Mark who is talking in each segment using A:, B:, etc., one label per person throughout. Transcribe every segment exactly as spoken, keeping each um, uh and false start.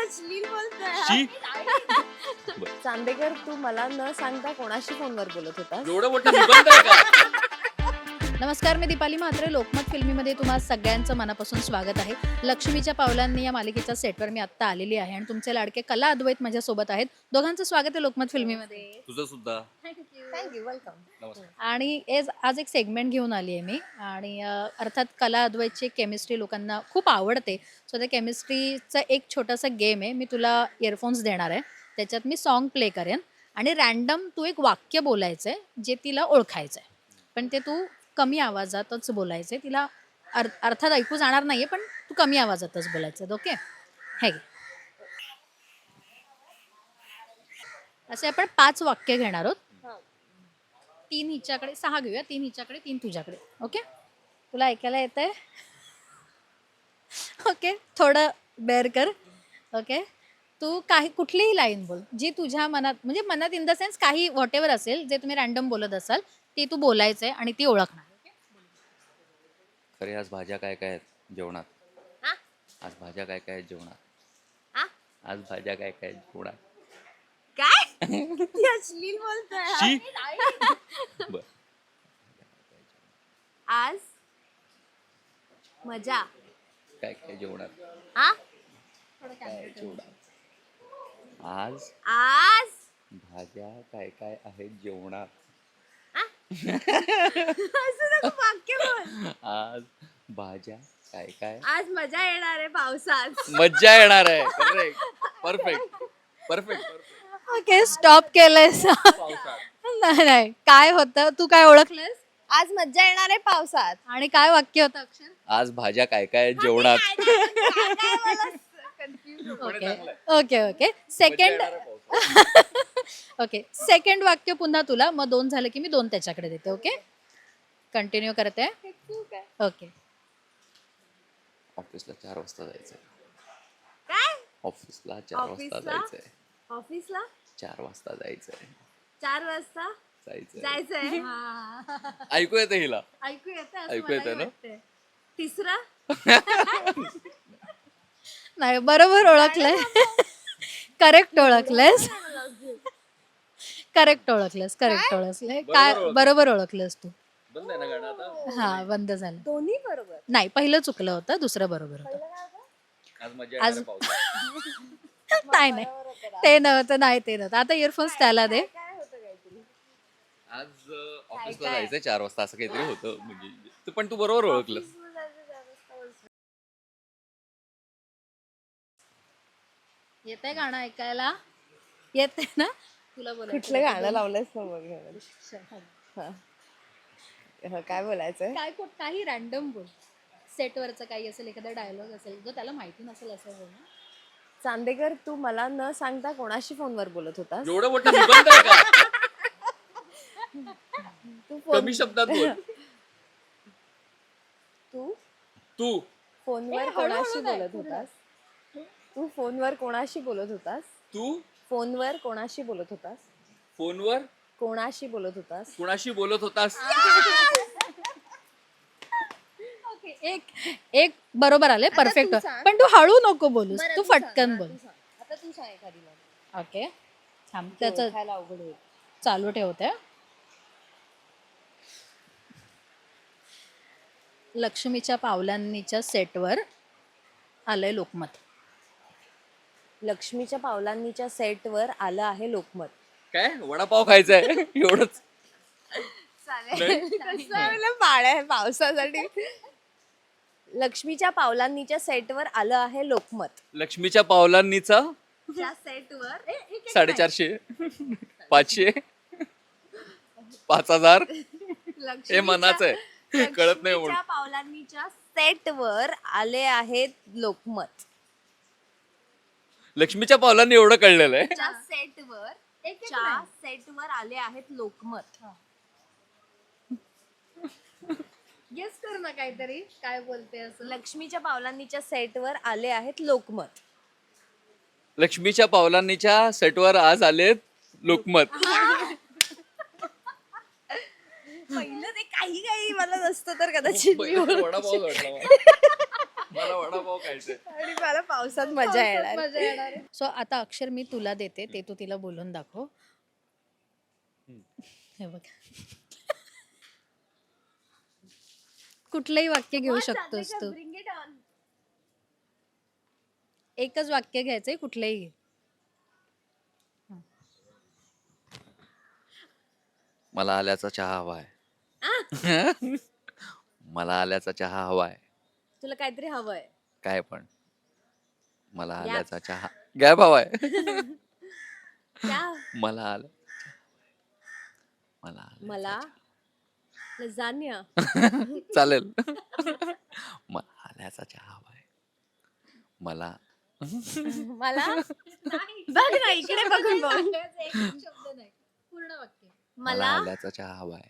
A: अश्लील बोलतोय.
B: शी
A: चांदेकर, तू मला न सांगता कोणाशी फोनवर बोलत होता?
B: एवढं मोठं निबंध आहे का?
C: नमस्कार, मी दीपाली म्हात्रे. लोकमत फिल्मीमध्ये तुम्हा सगळ्यांचं मनापासून स्वागत आहे. लक्ष्मीच्या पावलांनी या मालिकेच्या सेटवर मी आत्ता आलेली आहे आणि तुमचे लाडके कला अद्वैत माझ्यासोबत आहेत. दोघांचं स्वागत आहे लोकमत फिल्मीमध्ये.
B: तुझं सुद्धा.
A: Thank you, welcome.
B: नमस्कार.
C: आणि एज आज एक सेगमेंट घेऊन आली आहे मी आणि अ, अर्थात कला अद्वैतची केमिस्ट्री लोकांना खूप आवडते. सो त्या केमिस्ट्रीचं एक छोटंसं गेम आहे. मी तुला इयरफोन्स देणार आहे, त्याच्यात मी सॉन्ग प्ले करेन आणि रॅन्डम तू एक वाक्य बोलायचं आहे जे तिला ओळखायचं आहे, पण ते तू कमी आवाजातच बोलायचं आहे. तिला अर अर्थात ऐकू जाणार नाही आहे, पण तू कमी आवाजातच बोलायचं आहे. ओके, हे घे. असे आपण पाच वाक्य घेणार आहोत. तीन हिच्याकडे, सहा घेऊया. तीन हिच्याकडे, तीन तुझ्याकडे. ओके, तुला ऐकायला येतंय? ओके, थोडं बेअर कर. ओके, तू काही कुठलीही लाईन बोल जी तुझ्या मनात, म्हणजे मनात इन द सेन्स काही व्हॉट एव्हर असेल जे तुम्ही रॅन्डम बोलत असाल ते तू बोलायचंय आणि ती ओळखणार.
B: खरे आज भाज्या काय काय आहेत जेवणात?
A: हा?
B: आज भाज्या काय काय आहेत जेवणात?
A: हा?
B: आज भाज्या काय काय आहेत जेवणात?
A: काय? ती अश्लील बोलतोय.
B: शी बर.
A: आज मजा.
B: काय काय जेवणात?
A: हा?
B: काय जेवणात? आज
A: आज
B: भाज्या काय काय आहेत जेवणात?
A: असं नको वाक्य बोल.
B: आज भाज्या काय काय?
A: आज मजा येणार आहे पावसात.
B: मज्जा येणार आहे. Correct, perfect, perfect.
C: Okay, stop केलंयस.
B: पावसात
C: नाही नाही, काय होतं, तू काय ओळखलंस
A: आज मजा येणार आहे पावसात.
C: आणि काय वाक्य होतं अक्षर?
B: आज भाज्या काय काय आहेत जेवणात?
C: Okay okay okay second okay second वाक्य पुन्हा तुला, मग दोन झालं की मी दोन त्याच्याकडे देते. ओके, कंटिन्यू करते. ओके,
B: ऑफिसला चार वाजता जायचंय.
A: काय?
B: ऑफिसला चार वाजता
A: ऑफिसला?
B: जायचंय.
A: ऑफिसला
B: चार वाजता जायचंय.
A: चार वाजता
B: जायचंय.
A: जायचंय.
B: ऐकू येते हिला?
C: ऐकू येतं?
B: ऐकू येतं ना?
A: तिसरा
C: नाही, बरोबर ओळखलंय. करेक्ट ओळखलंस, करेक्ट ओळखलंस, करेक्ट ओळखलंय. काय
B: बरोबर
C: बरोबर ओळखलंस तू.
B: बंद आहे ना गाणं आता?
C: हा, बंद झालं.
A: दोन्ही बरोबर.
C: नाही, पहिलं चुकलं होतं, दुसरं बरोबर होतं.
B: आज मजा
C: आज-
B: येणार आहे पावसात.
C: नाही नाही, ते नव्हतं, नाही ते नव्हतं. आता इयरफोन्स त्याला दे.
A: काय होतं काहीतरी?
B: आज अं, ऑफिसला जायचंय चार वाजता असं काहीतरी होतं. म्हणजे तू- पण तू बरोबर ओळखलं.
C: येतंय गाणं ऐकायला? येते ना तुला? बोलायचं
A: कुठलं
C: होतं.
A: गाणं लावलंयस ना बघ. हा. हा, काय बोलायचंय?
C: काय कुठ काही रॅन्डम बोल. सेटवरचं काही असेल, एखादा डायलॉग असेल जो त्याला माहिती नसेल असं बोल ना.
A: चांदेकर, तू मला न सांगता कोणाशी फोनवर बोलत होतास?
B: एवढं मोठं निबंध आहे का?
A: तू फोन
B: कमी शब्दात बोल.
A: तू
B: तू
A: फोनवर
C: ए,
A: कोणाशी
C: हळूहळू
A: बोलत
C: नाही,
A: होतास? तू फोनवर कोणाशी बोलत होतास?
B: तू
A: फोनवर कोणाशी बोलत होतास?
B: फोनवर
A: कोणाशी बोलत होतास?
B: कुणाशी बोलत होतास?
C: ओके, एक एक बरोबर आले,
A: आता
C: परफेक्ट.
A: तू सांग.
C: पण तू हळू नको बोलूस,
A: बरं,
C: तू
A: तू सांग,
C: फटकन
A: हा,
C: बोल.
A: तू सांग. आता तू सांग एखादी मला.
C: ओके, थांब, त्याचं
A: ओळखायला अवघड होईल.
C: चालू ठेवते. लक्ष्मीच्या पावलांनीच्या सेटवर आलंय लोकमत.
A: लक्ष्मीच्या पावलांनीच्या सेटवर आलं आहे लोकमत.
B: काय वडापाव खायचा आहे एवढंच?
A: पाळ्या पावसासाठी. लक्ष्मीच्या पावलांनीच्या सेटवर आलं आहे लोकमत.
B: लक्ष्मीच्या पावलांनीचा
A: त्या सेटवर
B: साडेचारशे, पाचशे, पाच हजार हे मनाचं आहे. कळत नाही म्हणून.
A: लक्ष्मीच्या पावलांनीच्या सेटवर आले आहेत लोकमत.
B: लक्ष्मीच्या पावलांनी एवढं कळलेलं आहे.
A: च्या सेटवर च्या सेटवर आले आहेत लोकमत.
C: गेस कर ना काहीतरी, काय बोलते असं.
A: लक्ष्मीच्या पावलांनीच्या सेटवर आले आहेत लोकमत.
B: लक्ष्मीच्या पावलांनीच्या सेटवर आज आलेत लोकमत.
A: पहिलं ते काही काही मला नसतं तर कदाचित मी
B: वडापाव वाटला मला. मला वडापाव खायचंय.
A: आणि मला पावसात मजा येणार.
C: सो आता अक्षर मी तुला देते, ते तू तिला बोलून दाखव. हे बघ, कुठलंही वाक्य घेऊ शकतोस तू. एकच वाक्य घ्यायचंय, कुठलंही.
B: मला आल्याचा चहा हवाय. मला आल्याचा चहा हवाय.
A: तुला काहीतरी हवंय.
B: काय पण मला आल्याचा चहा गॅप हवाय. मला आलं मला
A: मला लजानिया
B: चालेल. मला आल्याचा चहा हवाय. मला
A: मला बघ ना इकडे बघून बोल.
C: पूर्ण वाक्य.
B: मला
A: मला
B: आल्याचा चहा हवाय.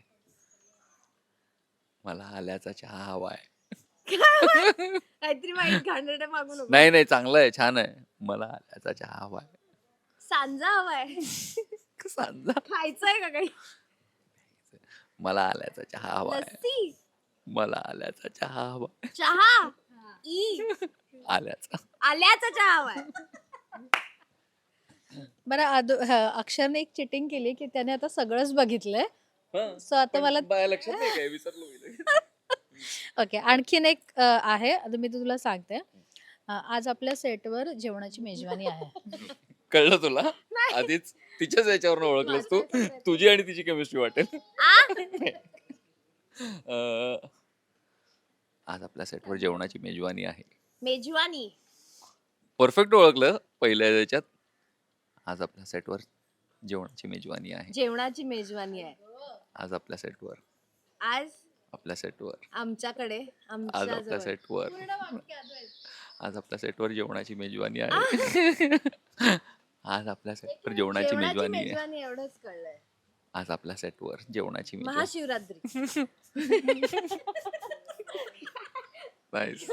B: मला आल्याचा चहा हवाय.
A: काहीतरी वाईट घाणेरडं मागू नको.
B: नाही नाही चांगलं आहे, छान आहे. मला आल्याचा चहा हवाय.
A: सांजा हवाय.
B: सांजा
A: खायचंय का काही.
B: मला आल्याचा चहा हवाय.
A: लस्सी
B: मला आल्याचा चहा हवाय.
A: चहा ई
B: आल्याचा
A: आल्याचा चहा हवाय.
C: बरं आदो- ह, अक्षरने एक चिटिंग केली की त्याने आता सगळंच बघितलंय. सो आता मला
B: लक्षात नाही काय विसरलो मी.
C: ओके, आणखीन एक अ, आहे, आता मी तुला सांगते. अ, आज आपल्या सेटवर जेवणाची मेजवानी आहे.
B: कळलं तुला आधीच तिच्याच याच्यावर ओळखलंस तू. तुझी आणि तिची केमिस्ट्री वाटेल. अं, आज आपल्या सेटवर जेवणाची मेजवानी आहे.
A: मेजवानी
B: परफेक्ट ओळखलं पहिल्या याच्यात. आज आपल्या सेटवर जेवणाची मेजवानी आहे.
A: जेवणाची मेजवानी आहे.
B: आज आपल्या सेटवर
A: आज
B: आपल्या सेटवर
A: आमच्याकडे
B: आज
A: आमच्या
B: आपल्या
A: जवळ.
B: सेटवर
C: पूर्ण वाक्य अद्वैत.
B: आज आपल्या सेटवर जेवणाची मेजवानी आहे. आज आपल्या सेटवर जेवणाची
A: जेवणाची
B: मेजवानी आहे.
A: मेजवानी एवढंच कळलंय.
B: आज आपल्या सेटवर जेवणाची मेजवानी.
A: महाशिवरात्री
B: Nice.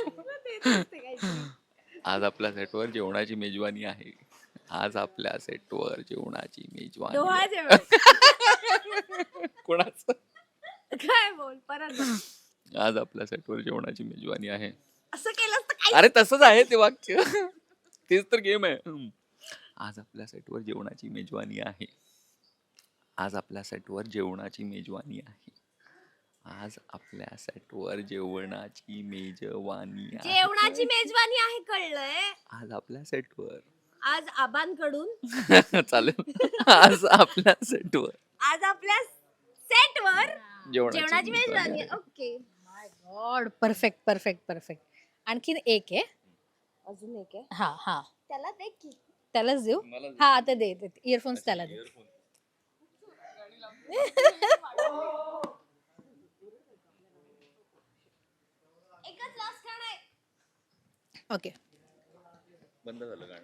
B: आज आपल्या सेटवर जेवणाची मेजवानी आहे. आज आपल्या सेटवर जेवणाची मेजवानी
A: डोहा
B: आहे.
A: जेवण.
B: कोणाचं?
A: काय बोल परत बोल.
B: आज आपल्या सेटवर जेवणाची मेजवानी आहे.
A: असं केलंस तर काय.
B: अरे तसंच आहे ते वाक्य. तेच तर गेम आहे. हम्म. आज आपल्या सेटवर जेवणाची मेजवानी आहे. आज आपल्या सेटवर जेवणाची मेजवानी आहे. आज आपल्या सेटवर जेवणाची मेजवानी आहे.
A: जेवणाची मेजवानी आहे कळलंय.
B: आज आपल्या सेटवर
A: आज आबांकडून
B: चालेल. आज आपल्या सेटवर
A: आज आपल्या सेटवर
B: जेवणाची
A: जेवणाची
B: मेजवानी
A: मेजवानी
B: आहे.
A: आहे. Okay
C: my god, perfect perfect perfect. आणखीन एक आहे.
A: अजून एक आहे.
C: हा हा
A: त्याला दे की.
C: त्यालाच देऊ.
B: मला दे.
C: हा आता दे, इयरफोन्स त्याला दे.
A: एकच लास्ट गाणं आहे.
C: ओके,
B: बंद झालं गाणं.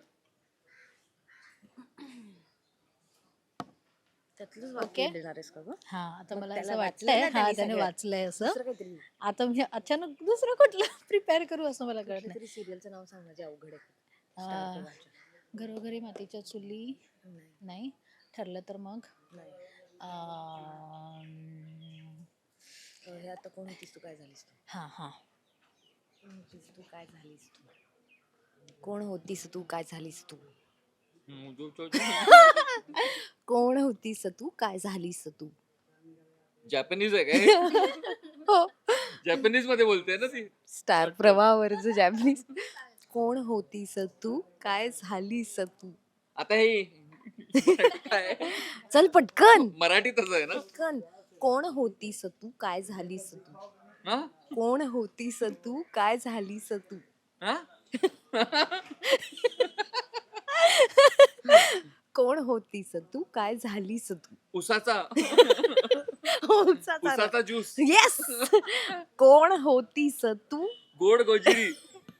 A: त्यातलंच
C: ओके.
A: वाक्य देणार आहेस का गं?
C: हा आता
A: मग
C: मला
A: त्याला
C: असं
A: वाचलंय
C: वाटतंय
A: ना
C: हा
A: त्यांनी
C: त्याने
A: सगळं.
C: वाचलंय असं.
A: दुसरं काहीतरी
C: आता मी अचानक दुसरं कुठलं प्रिपेअर करू असं मला कळत नाही.
A: काहीतरी सिरियलचं नाव सांग ना जे अवघड आहे.
C: आ,
A: Star प्रवाहाच्या.
C: घरोघरी मातीच्या चुली
A: नाही,
C: नाही ठरलं तर मग
A: नाही.
C: अं,
A: अं, हे आता कोण होतीस तू काय झालीस तू.
C: हा हा
A: कोण होतीस तू काय झालीस तू. कोण होतीस तू काय झालीस तू.
B: हम्म, जो- जो- जो.
A: कोण होतीस तू काय झालीस तू.
B: जॅपनीज आहे काय?
A: हो
B: जॅपनीज मध्ये बोलते ना ती.
A: स्टार प्रवाहावरचं जॅपनीज. कोण होतीस तू काय झालीस तू.
B: आता हे काय
A: चल पटकन
B: मराठीतच आहे ना.
A: पटकन. कोण होतीस तू काय झालीस तू.
B: हा?
A: कोण होतीस तू काय झालीस तू.
B: हा?
A: कोण होतीस तू काय झालीस तू.
B: उसाचा
A: उसाचा
B: उसाचा ज्यूस
A: येस. कोण होतीस तू
B: गोड गोजिरी.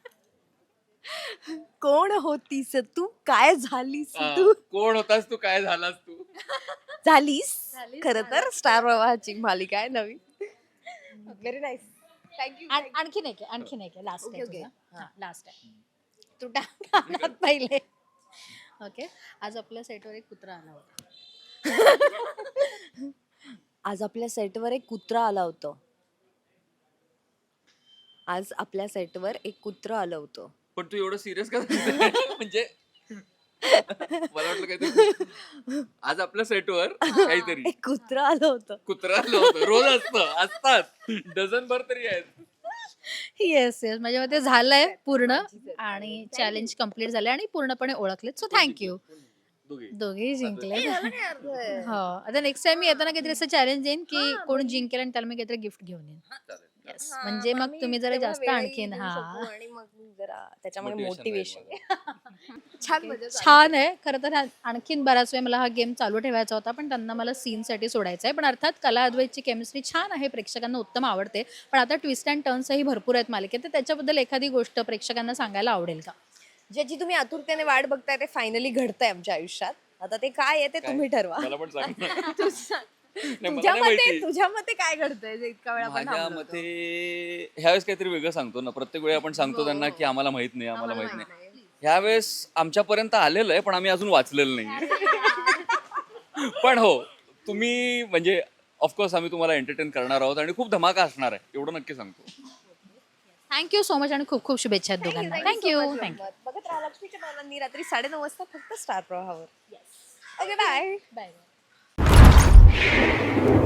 A: कोण होतीस तू काय झालीस
B: हा,
A: तू.
B: कोण होतास तू काय झालास तू.
A: झालीस
C: झालीस,
A: खर तर स्टार प्रवाहाची मालिका आहे नवीन. Very nice. थँक्यू.
C: आण- आणखीन एक आहे, आणखीन एक आहे, लास्ट आहे
A: Okay, okay.
C: तुझा. हा लास्ट आहे. तू टाक कानात पहिले. ओके, आज आपल्या सेटवर एक कुत्रा आला होता.
A: आज आपल्या सेटवर एक कुत्रा आला होता. आज आपल्या सेटवर एक कुत्रं आलं होतं.
B: पण तू एवढं सिरियस का सांगते? म्हणजे मला वाटलं काहीतरी आज आपल्या सेटवर काहीतरी
A: एक कुत्रं आलं होतं.
B: कुत्रा आलं होतं. रोज असतं, असतात डझन भर तरी आहेत.
C: येस येस माझ्या मते झालंय पूर्ण आणि चॅलेंज कम्प्लीट झालंय आणि पूर्णपणे ओळखलेत सो थँक्यू.
B: दोघे.
C: दोघेही जिंकले.
A: मला नाही अर्थ आहे.
C: हो आता नेक्स्ट टाइम मी येताना काहीतरी असं चॅलेंज देईन की
A: हा,
C: कोण जिंकेल आणि त्याला मी काहीतरी गिफ्ट घेऊन येईन.
B: चालेल.
C: येस
A: हा,
C: म्हणजे मग
A: आम्ही
C: तुम्ही जरा
A: तेवढा
C: जास्त
A: वेळही
C: आणखीन
A: देऊ
C: हा
A: शकू आणि मग जरा त्याच्यामध्ये
B: Motivation
A: मोटिवेशन छान मजा झाली.
C: छान आहे खरं तर हा- आणखीन बराच वेळ मला हा गेम चालू ठेवायचा होता पण त्यांना मला सीनसाठी सोडायचा आहे पण अर्थात कला अद्वैतची केमिस्ट्री छान आहे प्रेक्षकांना उत्तम आवडते पण आता ट्विस्ट अँड टर्न्सही भरपूर आहेत मालिकेत तर त्याच्याबद्दल एखादी गोष्ट प्रेक्षकांना सांगायला आवडेल का?
A: ज्याची तुम्ही आतुरतेने वाट बघताय ते फायनली घडतंय आमच्या आयुष्यात. आता ते काय आहे ते
B: काय?
A: तुम्ही ठरवा.
B: मला पण सांग ना.
A: तू सांग.
B: नाही, मला
A: तुझ्या
B: नाही
A: मते
B: माहिती.
A: तुझ्या मते काय घडतंय जे इतका वेळ आपण
B: माझ्या
A: थांबलो होतो?
B: मते ह्यावेळेस काहीतरी वेगळं सांगतो ना. प्रत्येक वेळी आपण सांगतो
A: हो,
B: त्यांना
A: हो.
B: की आम्हाला माहित नाही आम्हाला
A: आम्हाला
B: माहित
A: माहित
B: नाही.
A: नाही.
B: ह्यावेळेस आमच्यापर्यंत आलेलं आहे पण आम्ही अजून वाचलेलं नाही. पण हो तुम्ही म्हणजे ऑफकोर्स आम्ही तुम्हाला एंटरटेन करणार आहोत आणि खूप धमाका असणार आहे एवढं नक्की सांगतो.
C: थँक्यू सो मच आणि खूप खूप शुभेच्छा आहेत
A: Thank you,
C: दोघांना.
A: thank you so
C: thank you
A: much,
C: thank you.
A: रंगत. बघत राहा लक्ष्मीच्या पावलांनी रात्री साडेनऊ वाजता फक्त स्टार प्रवाहावर. Okay bye.
C: बाय.